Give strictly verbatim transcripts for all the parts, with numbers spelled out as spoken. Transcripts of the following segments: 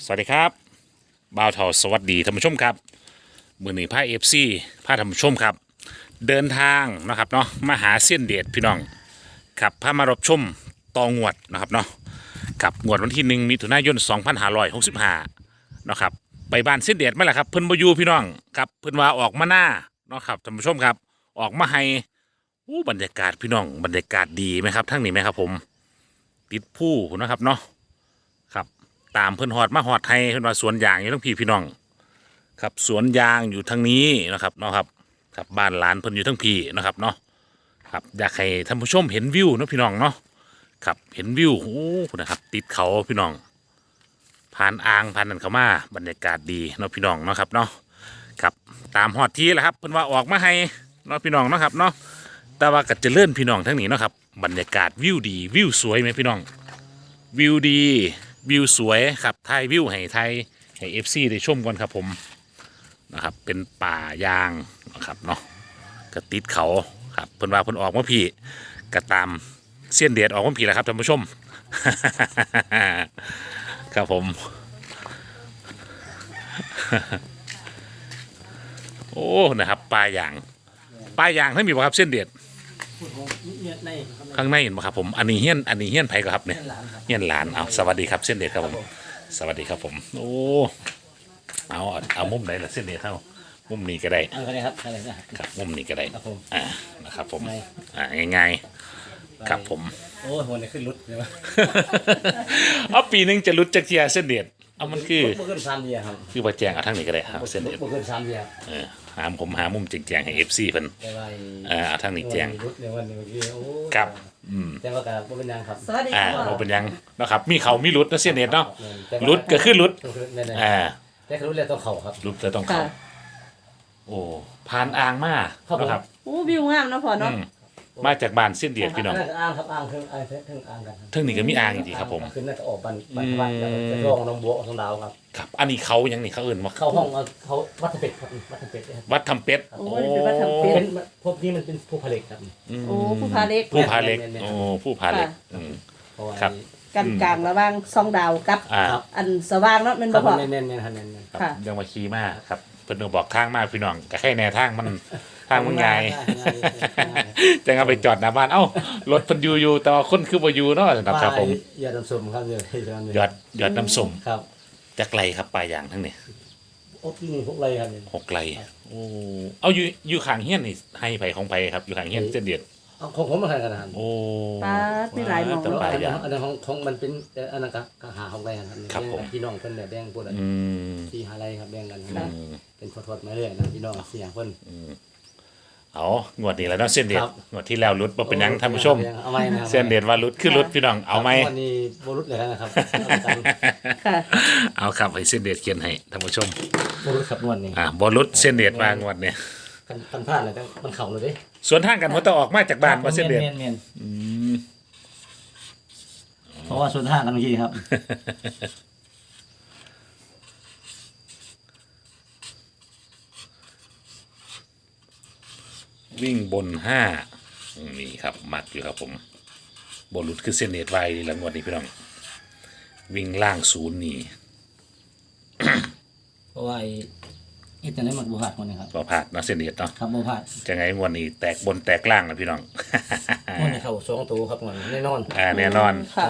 สวัสดีครับบ่าวเทาสวัสดีท่านผู้ชมครับมือหนีพาเอฟซีพาท่านผู้ชมครับเดินทางนะครับเนาะมาหาเส้นเดชพี่น้องครับพามารบชมตองวดนะครับเนาะกับงวดวันที่หนึ่งมิถุนายนสองพันห้าร้อยหกสิบห้านะครับไปบ้านเส้นเดชไหมล่ะครับเพิ่นบ่อยู่พี่น้องครับเพิ่นว่าออกมาหน้าเนาะครับท่านผู้ชมครับออกมาให้อู้บรรยากาศพี่น้องบรรยากาศดีไหมครับทั้งนี้ไหมครับผมติดผู้นะครับเนาะครับตามเพิ่นฮอดมาฮอดไทยเพิ่นว่าสวนยางอยู่ทั้งพี่พี่น้องครับสวนยางอยู่ทางนี้นะครับเนาะครับครับบ้านหลานเพิ่นอยู่ทั้งพี่นะครับเนาะครับอยากให้ท่านผู้ชมเห็นวิวเนาะพี่น้องเนาะครับเห็นวิวโอ้นะครับติดเขาพี่น้องผ่านอ่างผ่านนั่นเข้ามาบรรยากาศดีเนาะพี่น้องเนาะครับเนาะครับตามฮอดที่แหละครับเพิ่นว่าออกมาให้เนาะพี่น้องเนาะครับเนาะแต่ว่าก็จะเลื่อนพี่น้องทั้งนี้เนาะครับบรรยากาศวิวดีวิวสวยไหมพี่น้องวิวดีวิวสวยครับถ่ายวิวให้ไทยให้เอฟซีได้ชมกันครับผมนะครับเป็นป่ายางนะครับเนาะก็ติดเขาครับเพิ่นว่าเพิ่นออกมาพี่ก็ตามเส้นเดียดออกมาพี่แหละครับท่านผู้ชม ครับผม โอ้นะครับปลายางปลายางทั้งมีบ่ครับเส้นเดียดข้างในเห็นไหมครับผมอันนี้เฮี้ยนอันนี้เฮี้ยนไผก็ครับเนี่ยเฮี้ยนหลานเอาสวัสดีครับเส้นเดียดครับผมสวัสดีครับผมโอ้เอาเอามุมไหนล่ะเส้นเดียดเท่ามุมนี้ก็ได้เอาไปเลยครับเอาเลยนะครับมุมนี้ก็ได้ครับผมอ่านะครับผมอ่าง่ายๆครับผมโอ้ยหัวเนี่ยขึ้นรุดใช่ไหมเอาปีหนึงจะรุดจักเทียเส้นเดียดเอามันคือบ่ขึ้นสามเดียครับคือว่าแจงเอาทั้งนี้ก็ได้ครับเส้นเดียดบ่ขึ้นสามเดียเออหาผมหามุมแจงๆให้เอฟซีเพิ่นแต่ว่าเออเอาทั้งนี้แจงรุดในวันนี้เมื่อกี้โอ้ยครับอืมแต่ว่าก็บ่เป็นหยังครับสวัสดีอ่าค่ะเราเป็นหยังนะครับมีเขามีรุดนะเส้นเดียดเนาะแต่ว่ารุดก็คือรุดแน่ๆอ่าแต่คือรุดแล้วต้องเข่าครับรุดจะต้องค่ะเขาโอ้ผ่านอ่างมาครับผมนะครับโอ้วิวงามเนาะพ่ออืเนาะมมาจากบ้านเส้นเดียดพี่น้องนนั้นอ่างครับอ่างคืออ่างเพิ่งอ่างกันครับเทิงนี้ก็มีอ่างอีกทีครับผมขึ้นน่าจะออกบันบันบันแล้วก็จะรองน้องบัวของดาวครับครับอันนี้เขายังนี่เขาเอื่นว่าเข้าห้องเอาเขาวัดเป็ดครับวัดเป็ดเนี่ยครับวัดทำเป็ดโอ้ยเป็นวัดทำเป็เป็ดนพวกนี้มันเป็นผู้ผลิตครับโอ้ผู้พาเล็กผู้พาเล็กแม่นๆโอ้ผู้พาเล็กอืมเพราะว่าครับกันกลางระหว่างซองดาวกับอ่าครับอันสว่างเนาะแมันครับ่บพ่อเน้นๆๆครับเน้นๆครับค่ะยังมาขี่มาครับเพิ่นก็บอกทางมาพี่น้องก็แค่แนวทางมันทางมันไงาย จังเอาไปจอดหน้าบ้านเอ้ารถเพิ่นอยู่อยู่แต่ว่าคนคือบ่อยู่เนาะครับครับผมยอดน้ำส้มครับยอดยอดยอดน้ำส้มครับจักไรครับปลายอย่างทั้งนี้โอ้ที่นี่พวกไรครับเนี่ยหกไรโอ้เอาอยู่อยู่ข้างเฮียนนี่ให้ไผของไผครับอยู่ข้างเฮียนเส้นเดียดเอาของผมมาทานกันนะครับโอ้ปลามีหลายหมองแต่เนาะปลายอย่างอันนั้นของของมันเป็นเอ่ออันนั้นก็ก็หาของไรครับครับผมพี่น้องเพิ่นเนี่ยแบ่งพวกนั้นอืมที่หาไรครับแบ่งกันอืนะมเป็นทอดๆมาเรื่อยนะพี่น้องเสียเพิ่นเอางวดนี้แล้วเนาะเส้นเดียดครับงวดที่แล้วรุดบ่เป็นหยังท่านผู้ชมเอาไหมนะครับเส้นเดียดว่ารุดคือรุดพี่น้องเอาไหมวันนี้บ่รุดเลยนะครับค่ะเอาครับให้เส้นเดียดเขียนให้ท่านผู้ชมบ่รุดครับงวันนี้อ่าบ่รุดเส้นเดียดวางงวดเนี่ยกันกันพลาดเลยต้องมันเข่าเลยเด้ส่วนทางกันมันต้องออกมาจากบ้านว่าเส้นเดียดแม่นๆเพราะว่าส่วนทางกันเมื่อกี้ครับวิ่งบนห้านี่ครับมักอยู่ครับผมบนหลุดคือเส้นเนตไวหลังวันนี้พี่น้องวิ่งล่างศูนย์นี่เพราะว่าไอ้ไอ้ตัวนี้มันบ่พลาดมันนะครับบ่พลาดเนาะเส้นเนตเนาะครับบ่พลาดจะไงงวันนี้แตกบนแตกล่างนะพี่น้องมันเข้าสองตัวครับมันแน่นอนอ่าแน่นอนครับ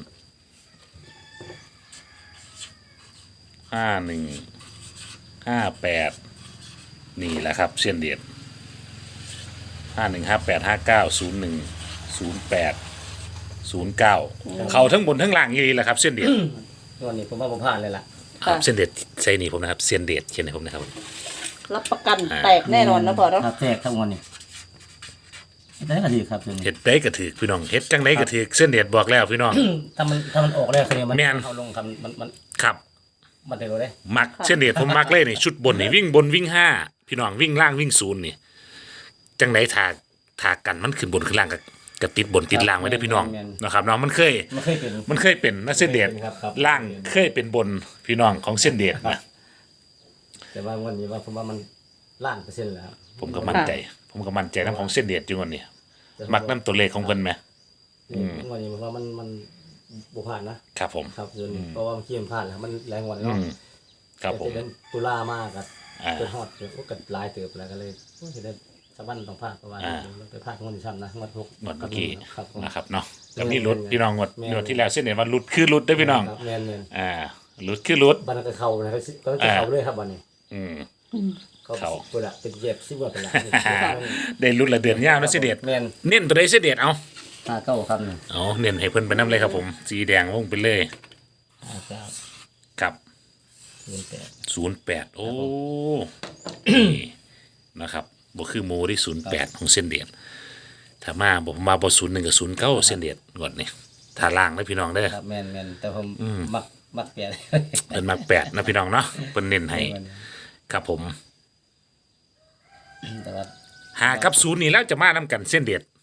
ห้าหนึ่งห้าแปดนี่แหละครับเส้นเดียดห้าหนึ่งห้าแปดห้าเก้าศูนย์หนึ่งศูนย์แปดศูนย์เก้าเขาทั้งบนทั้งล่างยี่แหละครับเส้นเดียดวันนี้ผมว่าบ่พลาดเลยล่ะครับเส้นเดียดใส่นี่ผมนะครับเส้นเดียดเขียนให้ผมนะครับรับประกันแตกแน่นอนนะพ่อเนาะครับแตกทั้งวันนี้ได้ก็ดีครับตัวนี้เฮ็ดได้ก็ถือพี่น้องเฮ็ดจังไดก็ถือเส้นเดียดบอกแล้วพี่น้องถ้ามันถ้ามันออกแล้วคือมันแม่นเข้าลงครับมันมันครับมันได้รู้ได้มักเส้นเดียดผมมักเลยนี่ชุดบนนี่วิ่งบนวิ่งห้าพี่น้องวิ่งล่างวิ่งศูนย์นี่จังไดถากถากกันมันขึ้นบนขึ้นล่างก็ก็ติดบนติดล่างไว้ได้อพี่น้องนะครับเนาะมันเคยมันเคยเป็นมันเคยเป็นนะเส้นเดียดครับครับล่างเคยเป็นบนพี่น้องของเส้นเดียดนะแต่ว่าวันนี้ว่าผมว่ามันล้านเปอร์เซ็นต์แล้วครับผมก็มั่นใจ ผมก็มั่นใจน้ำของเส้นเดียดอยู่วันนี้มักน้ำตัวเลขของเพิ่นไหมอืมวันนี้ผมว่ามันมันบุผ่านนะครับผมครับส่วนนี้เพราะว่าเมื่อกี้มันผ่านแล้วมันแรงกว่าเนาะอืมครับผมแต่เป็นตุลามากครับอ่าจนฮอดจนโอ้กัลายเติบแล้วก็เลยโอ้จะได้สะบั้นต้องพากเพราะว่าอ่าเราไปพากงวดที่ซ้ำนะงวดหกงวดเมื่อกี้ครับผมนะครับเนาะแม่ก็นมีรุดแม่นพี่น้องงวดแม่นงวดที่แล้วเส้นเห็นว่ารุดคือรุดได้อพี่น้องครับแม่นแม่นอ่ารุดคือรุดบันก็เข้านะครับก็จะเข้าเลยครับวันนี้อืมเขาเข้าเวลาเป็นเย็บซิบว่าเป็นละได้รุดละเดือนยาวนะเสยเด็ดแม่นเน้นตัวใดเสยเด็ดเอาห้าเก้าครับนี่เอาเน้นให้เพิ่นไปน้ำเลยครับผมสีแดงวงไปเลยห้าเก้ากับเงินแปดศูนย์แปดโอ้นี่นะครับบ่คือหมูที่ศูนย์แปดของเส้นเดียดถ้ามาบอกมาบ่ศูนย์หนึ่งกับศูนย์เก้าเส้นเดียดก่อนนี่ถ้าล่างนะพี่น้องเด้อครับแม่นแม่นแต่ผมมักมักแปดเพิ่นมาแปดนะพี่น้องเนาะเพิ่นเน้นให้ครับผมแต่ว่าหากับศูนย์นี่แล้วจะมานํกันเส้นเดียด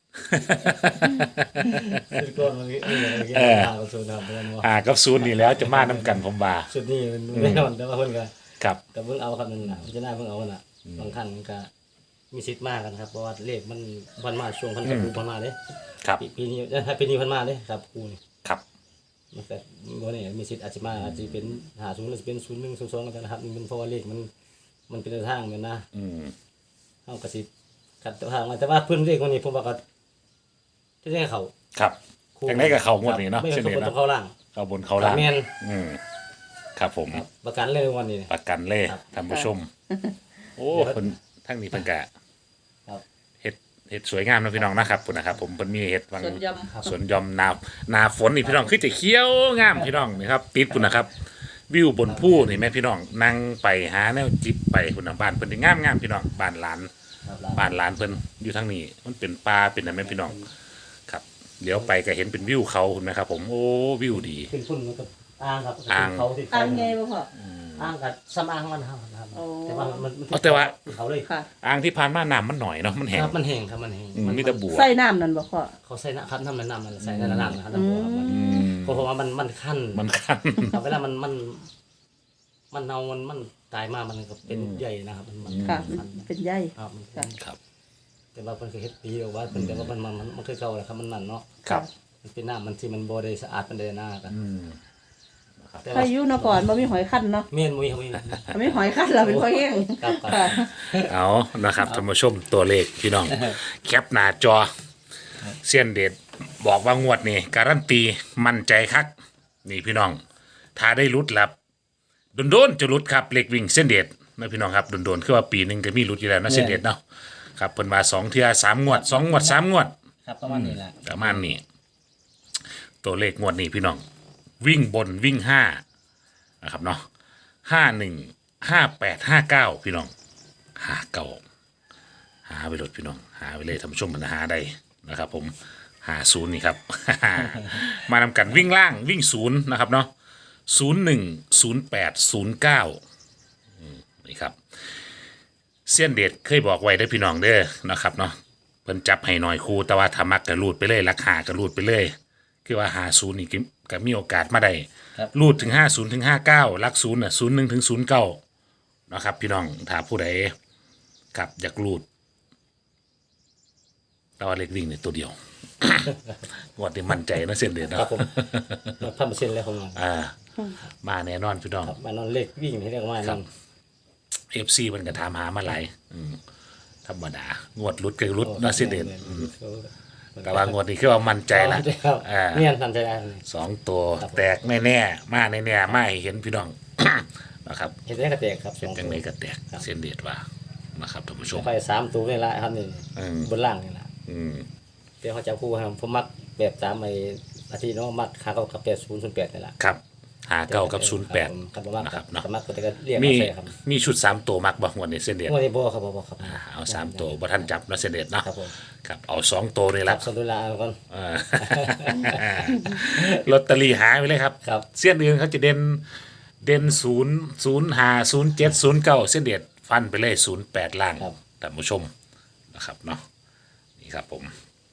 ชุดก้อนมันนี่นี่เออห้ากับศูนย์ครับเพื่อนว่าหากับศูนย์นี่แล้วจะมานํกันผมว่าชุดนี้มันไม่นอนแต่ว่าเพิ่นก็ครับแต่เพิ่งเอาครับนึงน่ะพิจารณาเพิ่งเอาน่ะบางครั้งมันก็มีสิทธิ์มากกันครับเพราะว่าเลขมันพันมาช่วงพันกับครูพันมาเด้ครับปีปีนี้ถ้าปีนี้พันมาเด้ครับครูนี่ครับมันก็บ่นี่มีสิทธิ์อาจจะมาอาจจะเป็นหาศูนย์หรือจะเป็นศูนย์หนึ่งศูนย์สองก็ได้นะครับนี่มันเพราะว่าเลขมันมันเป็นทางเหมือนนะอืมเฮาก็สิกัดทางมาแต่ว่าเพิ่นเลขคนนี้ผมว่าก็ที่ได้เขาครับครูจังได๋ก็เข้างวดนี้เนาะไม่เส้นเขาเดียดต้องเนาะเข้าล่างเข้าบนเข้าล่างแม่นอืมครับผมครับประกันเลยวันนี้ประกันเลยครับท่านผู้ชม โอ้เพิ่นทั้งนี้เพิ่นกะครับเฮ็ดเฮ็ดสวยงามนะพี่น้องนะครับพุ่นนะครับ ผมเพิ่นมีเฮ็ดวังส่วนยำครับสวนยอมนานาฝนนี่พี่น้องคือจะเขียวงามพี่น้องนี่ครับติดพุ่นนะครับ วิวบนภูนี่แม่พี่น้องนั่งไปหาแนวจิบไปพุ่นน่ะบ้านเพิ่นนี่งามงามพี่น้องบ้านหลานครับบ้านหลานเพิ่นอยู่ทางนี้ มันเป็นป่าเป็นอะไรแม่พี่น้องครับเลี้ยวไปก็เห็นเป็นวิวเขาคุณไหมครับ ผมโอ้วิวดีขึ้นพุ่นมันก็อ้างครับอ้างเขาที่อ่างไงบ่พ่ออ้างกับซ้ำอ้างมันครับครับโอ้แต่ว่ามันมันเอาแต่ว่าเขาเลยค่ะอ่างที่ผ่านมาน้ำมันหน่อยเนาะมันแห้งครับมันแห้งครับมันแห้งอืมมีแต่บัวใส่น้ำนั่นบ่พ่อเขาใส่นะครับน้ำมันน้ำมันใส่ในน้ำนะครับน้ำบัวครับมันอืมเพราะว่ามันมันขั้นมันคันครับเวลามันมันมันเน่ามันมันตายมามันก็เป็นใหญ่นะครับมันมันค่ะมันเป็นใยครับมันค่ะครับแต่ว่ามันเคยเฮ็ดปีหรือว่าเป็นแต่ว่ามันมันมันมันเคยเก่าแหละครับมันนั่นเนาะครับมันเป็นน้ำมันที่มันบ่ได้สะอาดมันได้หน้ากันอืมแต่พาว่ายุเนาะก่อนบ่มีหอยคั้นเนาะเมียนมุ้ยเขามีถ้ามีหอยคั้นเราเป็นพ่อแห้งครับครับค่ะเอานะครับท่านผู้ชมตัวเลขพี่น้อง แคปหน้าจอเสี้ยนเด็ดบอกว่างวดนี่การันตีมั่นใจคักนี่พี่น้อง ถ้าได้รุดลับโดนๆจะรุดครับเลขวิ่งเส้นเด็ดนะพี่น้องครับโดนๆคือว่าปีหนึ่งก็มีรุดอยู่แล้วนะเส้นเด็ดเนาะครับเพิ่นมาสองเทื่อสามงวดสองงวดสามงวดครับประมาณนี้แหละประมาณนี้ตัวเลขงวดนี้พี่น้อง วิ่งบนวิ่งห้านะครับเนาะห้าหนึ่งห้าแปดห้าเก้าพี่น้องหาเก้าหาไปรถพี่น้องหาไปเลยท่านผู้ชมมันหาได้นะครับ ผมหาศูนย์นี่ครับ มานำกันวิ่งล่างวิ่งศูนย์นะครับเนาะศูนย์หนึ่งศูนย์แปดศูนย์เก้านี่ครับเสี้ยนเด็ดเคยบอกไว้ได้อพี่น้องเด้อนะครับเนาะเพิ่นจับให้หน่อยครูแต่ว่าถ้ามักกระรูดไปเลยราคากระรูดไปเลย คือว่าหาศูนย์นี่ก็ก็มีโอกาสมาได้ครับรูดถึงห้าศูนย์ถึงห้าเก้าลักศูนย์น่ะศูนย์หนึ่งถึงศูนย์เก้านะครับ พี่น้องถ้าผู้ใดกับอยากรูดแต่ว่าเล็กวิ่งเนี่ยตัวเดียว งวดนี้มั่นใจนะเส้นเดือนครัเนาะบผมพันเปอร์เซ็นต์เลยผมว่าอ่า มาแน่นอนพี่น้องครับมานอนเล็กวิ่งให้เรียกว่าครันั่บนเอฟซีมันก็ถามหามาหลายอืมธรรมดางวดรุดก็รุดนะเส้นเดือนอืมแต่ว่างวดนี้คือว่ามั่นใจละครับอ่าเนี่ยทันใจได้เลยสองตัวแตกแน่ๆมาแน่ๆมาให้เห็นพี่น้อง นะครับเห็นได้กระแตกครับสเป็นองจังไดก็แตกเส้นเดียดว่านะครับท่านผู้ชมไปสามตัวนี่ละครับนี่อืมบนล่างนี่ละอืมเดี๋ยวเขาจะคู่ครับผมมักแบบสามไอ้อาทิตย์เนาะมักขาเก้ากับแปดศูนย์ศูนย์แปดนี่ละครับหาเก้ากับศูนย์แปดครับผมมักนะคครัรับบ เนาะมักก็จะเรียกมีมาใส่ครับมีชุดสามตัวมักบ่งวันนี้เส้นเดียดงวดนี้บ่ครับบ่บ่ครับอ่าเอาสามตัวบ่ทันจับเนาะเส้นเดียดเนาะครับผมครับเอาสองตัวนี่คละรับสนุลาก่อนอ่า ลอตเตอรี่หายไปเลยครับครับเส้นอื่นเขาจะเด่นเด่นศูนย์ศูนย์ห้าศูนย์เจ็ดศูนย์เก้าเส้นเดียดฟันไปเลยศูนย์แปดล่างครับท่านผู้ชมนะครับเนาะนี่ครับผม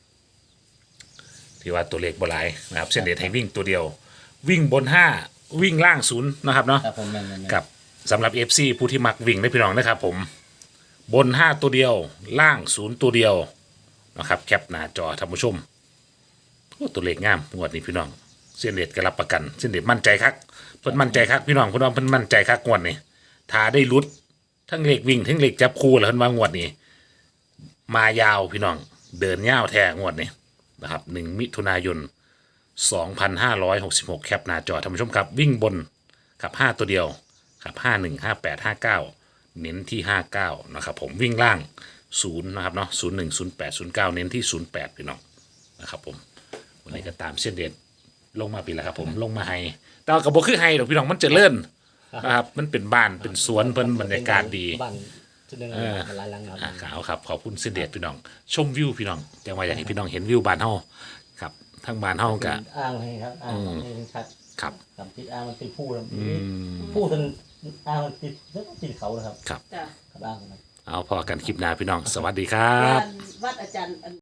ที่ว่าตัวเลขบ่หลายนะครับ เส้นเดียดให้วิ่งตัวเดียว วิ่งบนห้าวิ่งล่างศูนย์นะครับเนาะครับผมแม่นๆๆกับสำหรับ เอฟ ซี ผู้ที่มักวิ่งได้พี่น้องนะครับผมบนห้าตัวเดียวล่างศูนย์ตัวเดียวนะครับแคปหน้าจอท่านผู้ชมโอ้ตัวเลขงามงวดนี้พี่น้องเส้นเด็ดก็รับประกันเส้นเด็ดมั่นใจคักเพิ่นมั่นใจคักพี่น้องเพิ่นว่าเพิ่นมั่นใจคักงวดนี้ถ้าได้ลุ้นทั้งเลขวิ่งทั้งเลขจับคู่แล้วเพิ่นว่างวดนี้มายาวพี่น้องเดินยาวแท้งวดนี้นะครับหนึ่งมิถุนายนสองพันห้าร้อยหกสิบหกแคปหน้าจอท่านผู้ชมครับวิ่งบนกับห้าตัวเดียวกับห้าหนึ่งห้าแปดห้าเก้าเน้นที่ห้าเก้านะครับผมวิ่งล่างศูนย์นะครับเนาะศูนย์หนึ่งศูนย์แปดศูนย์เก้าเน้นที่ศูนย์แปดพี่น้องนะครับผมวันนี้ก็ตามเส้นเด็ดลงมาปีแล้วครับผมลงมาให้แต่ว่ากระบอกคือให้ดอกพี่น้องมันเจริญนะครับมันเป็นบ้านเป็นสวนเพิ่นบรรยากาศดีบ้านชุดหนึงมันหลายหลังครับอ่าขาวครับขอบคุณเส้นเด็ดพี่น้องชมวิวพี่น้องจังว่าอยากให้พี่น้องเห็นวิวบ้านเฮาครับทั้งบ้านเฮาก็อ้างให้ครับอ้างให้ชัดครับกับติดอ้างมันติดผู้นะอืมผู้จนอ้างมันติดแล้วก็ติดเขานะครับครับจ้ะครับอ้างนะครับเอาพอกันคลิปหน้าพี่น้องสวัสดีครับวัดอาจารย์